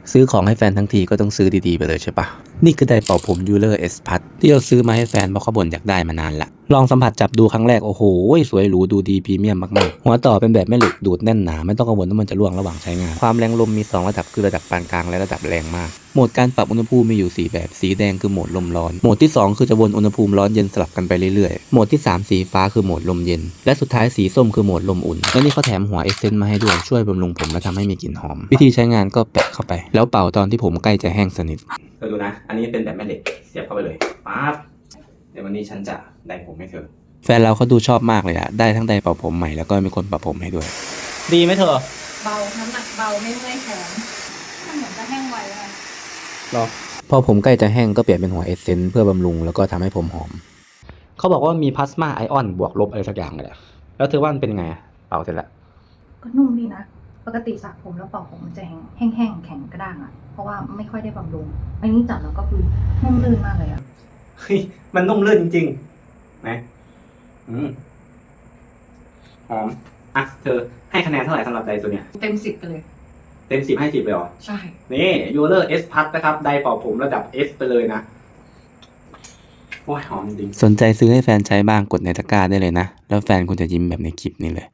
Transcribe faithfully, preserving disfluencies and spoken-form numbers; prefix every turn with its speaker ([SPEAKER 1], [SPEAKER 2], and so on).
[SPEAKER 1] ซื้อของให้แฟนทั้งทีก็ต้องซื้อดีๆไปเลยใช่ปะนี่คือไดร์เป่าผมยูเลอร์เอสพัทที่เราซื้อมาให้แฟนเพราะเขาบ่นอยากได้มานานละลองสัมผัสจับดูครั้งแรกโอ้โหสวยหรูดูดีพรีเมียมมากๆหัวต่อเป็นแบบแม่เหล็กดูดแน่นหนาไม่ต้องกังวลว่ามันจะร่วงระหว่างใช้งานความแรงลมมีสองระดับคือระดับปานกลางและระดับแรงมากโหมดการปรับอุณหภูมิมีอยู่สี่แบบสีแดงคือโหมดลมร้อนโหมดที่สองคือจะวนอุณหภูมิร้อนเย็นสลับกันไปเรื่อยๆโหมดที่สามสีฟ้าคือโหมดลมเย็นและสุดท้ายสีส้มคือโหมดลมอุ่นและนี่เขาแถมหัวเอเซนต์มาให้ด้วยช่วยบำรุงผมและทำให้มีกลิ่นหอมวิธีใช้งานก็แปะเข้าไปแล้วเป่าตอนที่ผมใกล้จะแห้งสนิทเธอดูนะอันนี้เป็นแบบแม่เหล็กเสียบเข้าไปเลยปั๊บเดี๋ยววันนี้ฉันจะได้ผมให้เธอแฟนเราเขาดูชอบมากเลยอะได้ทั้งไดร์เป่าผมใหม่แล้วก็มีคนปรับผมให้ด้วยดีไหมเธอ
[SPEAKER 2] เบาน้ำหนักเบาไม่เมื่อยแขนมันเหมือนจะแห้งไวเลย
[SPEAKER 1] หรอพอผมใกล้จะแห้งก็เปลี่ยนเป็นหัวเอเซนต์เพื่อบำรุงแล้วก็ทำให้ผมหอมเขาบอกว่ามีพลาสมาไอออนบวกลบอะไรสักอย่างเลยอะแล้วเธอว่ามันเป็นไงเป่าเสร็จแล้ว
[SPEAKER 2] ก็นุ่มดีนะปกติสระผมแล้วเป่าผมมันจะแห้งแห้งๆแข็งกระด้างอ่ะเพราะว่าไม่ค่อยได้บำรุงอันนี้จับแล้วก็คือนุ่มลื่นมากเลยอ่ะ
[SPEAKER 1] เฮ้ยมันนุ่มลื่นจริงๆนะอืมหอมอ่ะเธอให้คะแนนเท่าไหร่สำหรับไดร์ตัวเนี้ย
[SPEAKER 2] เต็มสิบไปเลย
[SPEAKER 1] เต็มสิบให้สิบเลยเหรอ
[SPEAKER 2] ใช่
[SPEAKER 1] นี่ยูเลอร์เอสพัทนะครับไดร์เป่าผมระดับ S ไปเลยนะโอ้ยหอมจริงสนใจซื้อให้แฟนใช้บ้างกดในตะกร้าได้เลยนะแล้วแฟนคุณจะยิ้มแบบในคลิปนี้เลย